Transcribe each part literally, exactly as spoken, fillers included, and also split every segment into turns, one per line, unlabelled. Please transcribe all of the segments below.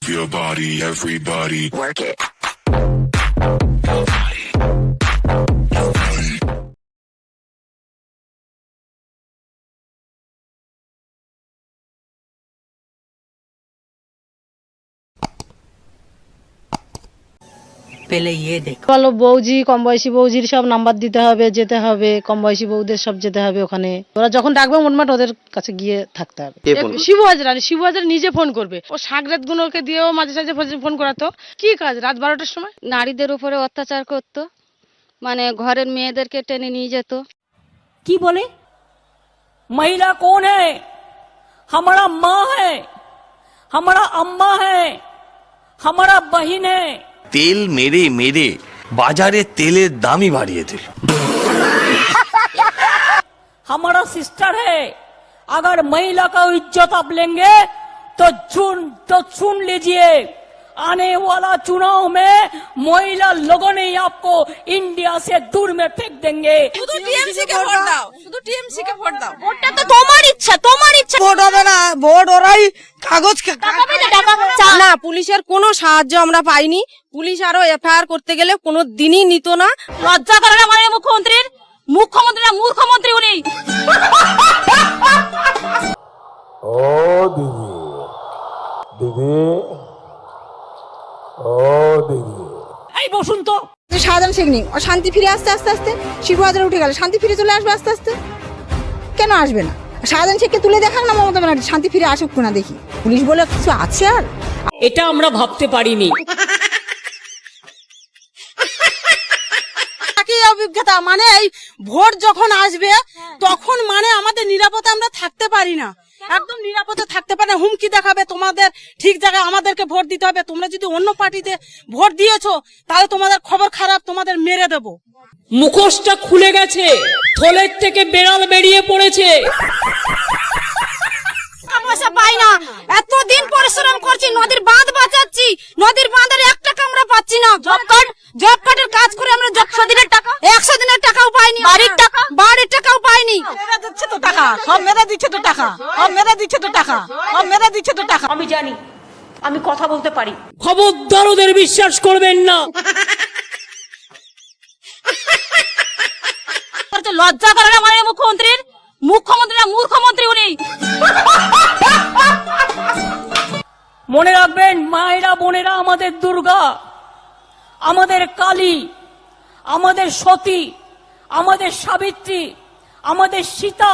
your body, everybody.
Work it.
পেলে ইয়ে দেখ
বলো বৌজি কম বয়সী বৌজির সব নাম্বার দিতে হবে, যেতে হবে, কম বয়সী বৌদের সব যেতে হবে ওখানে। ওরা যখন ডাকবে মোটমাট ওদের কাছে গিয়ে থাকতে হবে। শিবু হাজরা শিবু হাজরা নিজে ফোন করবে, ও সাগরেত গুলোকে দিয়েও মাঝে সাঝে ফোন করাতো। কি কাজ রাত বারোটার সময়
নারীদের উপরে অত্যাচার করতো, মানে ঘরের মেয়েদেরকে টেনে নিয়ে যেত।
কি বলে महिला कौन है? हमारा माँ है, हमारा अम्मा है, हमारा बहन है।
তেল মেরে মেরে বাজারে তেলের দামই বাড়িয়ে দিল।
हमारा सिस्टर है, अगर महिला का इज्जत आप लेंगे तो सुन तो सुन लीजिए, आने वाला चुनाव में महिला लोगों ने आपको इंडिया से दूर में फेंक देंगे।
শুধু টিএমসি কে ভোট দাও, শুধু টিএমসি কে ভোট দাও। ভোটটা তো তোমার ইচ্ছা, তোমার ইচ্ছা।
ভোট হবে না, ভোট ওরাই কাগজ
না, পুলিশের কোনো সাহায্য আমরা পাইনি। পুলিশ আরো এফআইআর করতে গেলে কোনো দিনই নিত না। লজ্জা করে না আমাদের মুখ্যমন্ত্রীর? মুখ্যমন্ত্রীরা মূর্খমন্ত্রী উনি।
ও দিদি দিদি ও দিদি
এই বসুন তো।
শাহজাহান শেখ নেই, ও শান্তি ফিরে আসতে আস্তে আস্তে শিবু হাজারে উঠে গেল, শান্তি ফিরে চলে আসবে আস্তে আস্তে। কেন আসবে না? শাহজাহান শেখকে তুলে দেখাক না মমতা ব্যানার্জি, শান্তি ফিরে আসুক না দেখি। পুলিশ বলে কিছু আছে আর?
এটা আমরা ভাবতে পারিনি।
কি অভিজ্ঞতা, মানে এই ভোট যখন আসবে তখন মানে আমাদের নিরাপদে আমরা থাকতে পারি না, একদম নিরাপদে থাকতে পারে না। হুমকি দেখাবে তোমাদের ঠিক জায়গায় আমাদেরকে ভোট দিতে হবে, তোমরা যদি অন্য পার্টিতে ভোট দিয়েছো তাহলে তোমাদের খবর খারাপ, তোমাদের মেরে দেবো।
মুখোশটা খুলে গেছে, থলের থেকে বেড়াল বেরিয়ে পড়েছে।
পয়সা পাই না, এতদিন পরিশ্রম করছি, নদীর বাঁধ বাঁচাচ্ছি, নদীর বাঁধের এক টাকা আমরা পাচ্ছি না। জব কার্ড জব কার্ডের কাজ করে আমরা একশো দিনের টাকা একশো দিনের টাকাও পাইনি, বাড়ির টাকা বাড়ির টাকাও পাইনি।
মেরে দিচ্ছে তো টাকা, সব মেরে দিচ্ছে তো টাকা, সব মেরে দিচ্ছে তো টাকা, সব মেরে দিচ্ছে তো টাকা।
আমি জানি, আমি কথা বলতে পারি। খবরদার ওদের বিশ্বাস করবেন না।
লজ্জা করে না আমাদের মুখ্যমন্ত্রীর? মুখ্যমন্ত্রীরা মূর্খমন্ত্রী উনি।
মনে রাখবেন, মায়েরা বোনেরা আমাদের দুর্গা, আমাদের কালী, আমাদের সতী, আমাদের সাবিত্রী, আমাদের সীতা,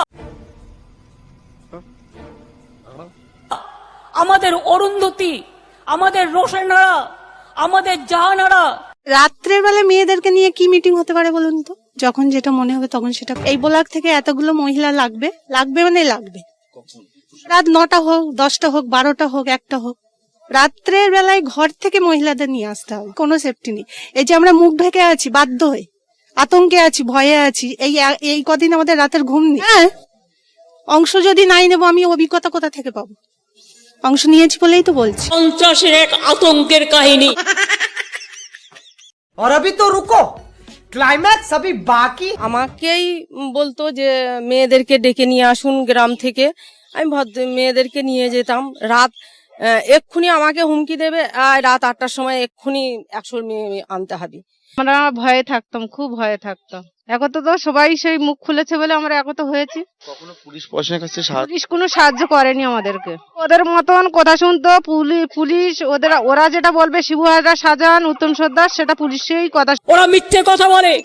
আমাদের অরুন্ধতী, আমাদের রোশনারা, আমাদের জাহানারা।
রাত্রের বেলা মেয়েদেরকে নিয়ে কি মিটিং হতে পারে বলুন তো? যখন যেটা মনে হবে তখন সেটা। এই ব্লক থেকে এতগুলো মহিলা লাগবে, লাগবে মানে লাগবে। রাত নটা হোক, দশটা হোক, বারোটা হোক, একটা হোক, রাত্রের বেলায় ঘর থেকে মহিলাদের নিয়ে আসতে হবে, কোনো সেফটি নেই। এই যে আমরা মুখ ঢেকে আছি, বাধ্য হয়ে আতঙ্কে আছি, ভয়ে আছি, এই এই কদিন আমাদের রাতের ঘুম নেই। হ্যাঁ, অংশ যদি নাই নেবো, আমি অভিজ্ঞতা কোথা থেকে পাবো? অংশ নিয়েছি বলেই তো বলছি।
পঞ্চাশের এক আতঙ্কের কাহিনী।
और अभी तो रुको, ক্লাইম্যাক্স अभी বাকি।
আমাকেই বলতো যে মেয়েদেরকে ডেকে নিয়ে আসুন গ্রাম থেকে, আমি ভদ্র মেয়েদেরকে নিয়ে যেতাম। রাত এক্ষুনি আমাকে হুমকি দেবে, রাত আটটার সময় এক্ষুনি একশো মেয়ে আনতে হবে।
আমরা ভয়ে থাকতাম, খুব ভয়ে থাকতাম। এখন তো সবাই সেই মুখ খুলেছে বলে আমরা একত হয়েছি।
কখনো পুলিশ প্রশাসনের কাছে
পুলিশ কোনো সাহায্য করেনি আমাদেরকে। ওদের মতন কথা শুনতো পুলিশ, ওদের ওরা যেটা বলবে শিবু হাজরা, শাহজাহান, উত্তম সর্দার, সেটা পুলিশেই কথা।
ওরা মিথ্যে কথা বলে।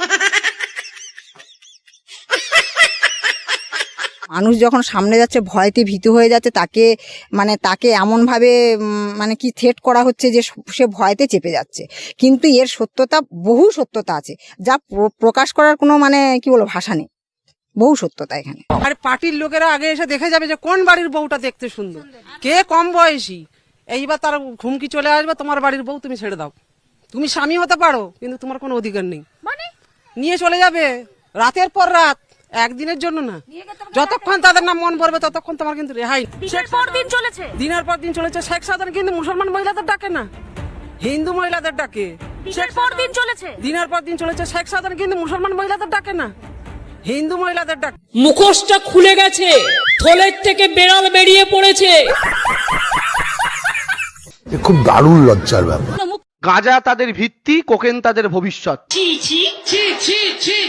মানুষ যখন সামনে যাচ্ছে ভয়তে ভীতু হয়ে যাচ্ছে, তাকে মানে তাকে এমন ভাবে মানে কি থ্রেট করা হচ্ছে যে সে ভয়তে চেপে যাচ্ছে। কিন্তু এর সত্যতা, বহু সত্যতা আছে, যা প্রকাশ করার কোনো মানে কি বলবো ভাষা নেই। বহু সত্যতা এখানে।
আর পার্টির লোকেরা আগে এসে দেখে যাবে যে কোন বাড়ির বউটা দেখতে সুন্দর, কে কম বয়সী। এইবার তার ঘুমকি চলে আসবে, তোমার বাড়ির বউ তুমি ছেড়ে দাও, তুমি স্বামী হতে পারো কিন্তু তোমার কোনো অধিকার নেই। নিয়ে চলে যাবে রাতের পর রাত, একদিনের জন্য না, যতক্ষণ তাদের নাম মন ভরবে ততক্ষণ তোমার কিন্তু রেহাই। দিনের পর দিন চলেছে, দিনের পর দিন চলেছে। শেখ সাধারণ কিন্তু মুসলমান মহিলাদের ডাকে না, হিন্দু মহিলাদের ডাকে। দিনের পর দিন চলেছে, দিনের পর দিন চলেছে। শেখ সাধারণ কিন্তু মুসলমান মহিলাদের ডাকে না, হিন্দু মহিলাদের ডাকে।
মুখোশটা খুলে গেছে, থলের থেকে বেড়াল বেরিয়ে পড়েছে।
খুব দারুণ লজ্জার ব্যাপার।
গাঁজা তাদের ভিত্তি, কোকেন তাদের ভবিষ্যৎ।